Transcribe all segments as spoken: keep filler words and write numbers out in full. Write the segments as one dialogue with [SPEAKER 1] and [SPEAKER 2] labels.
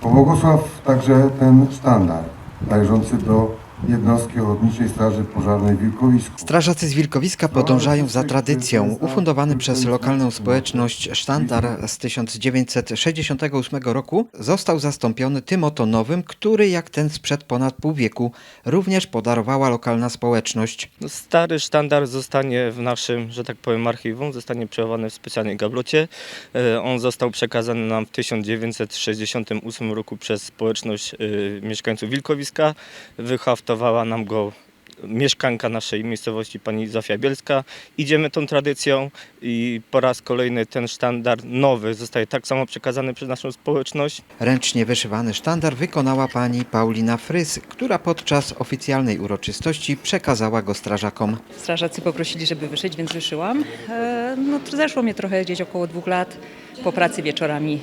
[SPEAKER 1] Pobłogosław także ten sztandar należący do jednostki Ochotniczej Straży Pożarnej w Wilkowisku.
[SPEAKER 2] Strażacy z Wilkowiska podążają za tradycją. Ufundowany przez lokalną społeczność sztandar z tysiąc dziewięćset sześćdziesiątego ósmego roku został zastąpiony tym oto nowym, który jak ten sprzed ponad pół wieku również podarowała lokalna społeczność.
[SPEAKER 3] Stary sztandar zostanie w naszym, że tak powiem, archiwum, zostanie przechowany w specjalnej gablocie. E, On został przekazany nam w tysiąc dziewięćset sześćdziesiątym ósmym roku przez społeczność e, mieszkańców Wilkowiska. Wyhaftowała nam go mieszkanka naszej miejscowości, pani Zofia Bielska. Idziemy tą tradycją i po raz kolejny ten sztandar nowy zostaje tak samo przekazany przez naszą społeczność.
[SPEAKER 2] Ręcznie wyszywany sztandar wykonała pani Paulina Frys, która podczas oficjalnej uroczystości przekazała go strażakom.
[SPEAKER 4] Strażacy poprosili, żeby wyszyć, więc wyszyłam. E, No, to zeszło mnie trochę gdzieś około dwóch lat po pracy wieczorami.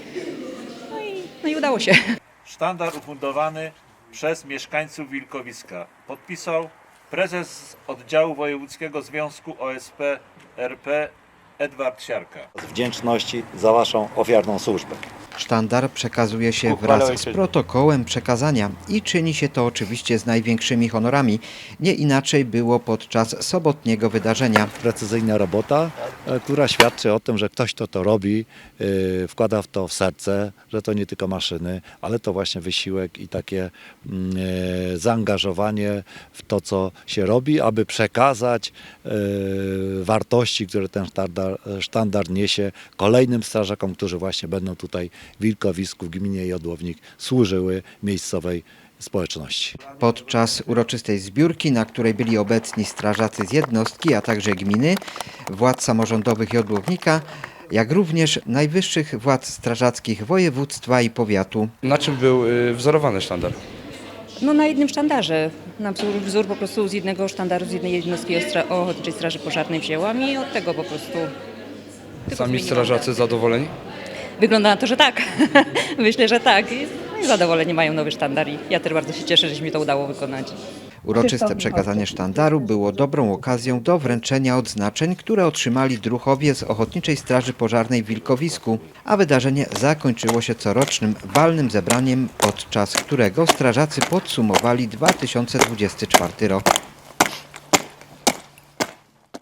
[SPEAKER 4] No i, no i udało się.
[SPEAKER 5] Sztandar ufundowany przez mieszkańców Wilkowiska. Podpisał prezes oddziału wojewódzkiego Związku O S P R P Edward Siarka.
[SPEAKER 6] Z wdzięczności za Waszą ofiarną służbę.
[SPEAKER 2] Sztandar przekazuje się wraz z protokołem przekazania i czyni się to oczywiście z największymi honorami. Nie inaczej było podczas sobotniego wydarzenia.
[SPEAKER 6] Precyzyjna robota, e, która świadczy o tym, że ktoś, kto to robi, e, wkłada w to w serce, że to nie tylko maszyny, ale to właśnie wysiłek i takie mm, e, zaangażowanie w to, co się robi, aby przekazać e, wartości, które ten sztandar, sztandar niesie kolejnym strażakom, którzy właśnie będą tutaj w Wilkowisku, w gminie Jodłownik służyły miejscowej społeczności.
[SPEAKER 2] Podczas uroczystej zbiórki, na której byli obecni strażacy z jednostki, a także gminy, władz samorządowych Jodłownika, jak również najwyższych władz strażackich województwa i powiatu.
[SPEAKER 7] Na czym był y, wzorowany sztandar?
[SPEAKER 4] No na jednym sztandarze. Na wzór, wzór po prostu z jednego sztandaru, z jednej jednostki Ostra- Ochotniczej Straży Pożarnej wzięłam i od tego po prostu... tylko
[SPEAKER 7] Sami
[SPEAKER 4] zmieniłam
[SPEAKER 7] strażacy
[SPEAKER 4] datę.
[SPEAKER 7] zadowoleni?
[SPEAKER 4] Wygląda na to, że tak. Myślę, że tak. I no i zadowoleni mają nowy sztandar i ja też bardzo się cieszę, że się mi to udało wykonać.
[SPEAKER 2] Uroczyste przekazanie sztandaru było dobrą okazją do wręczenia odznaczeń, które otrzymali druhowie z Ochotniczej Straży Pożarnej w Wilkowisku, a wydarzenie zakończyło się corocznym walnym zebraniem, podczas którego strażacy podsumowali dwa tysiące dwudziesty czwarty rok.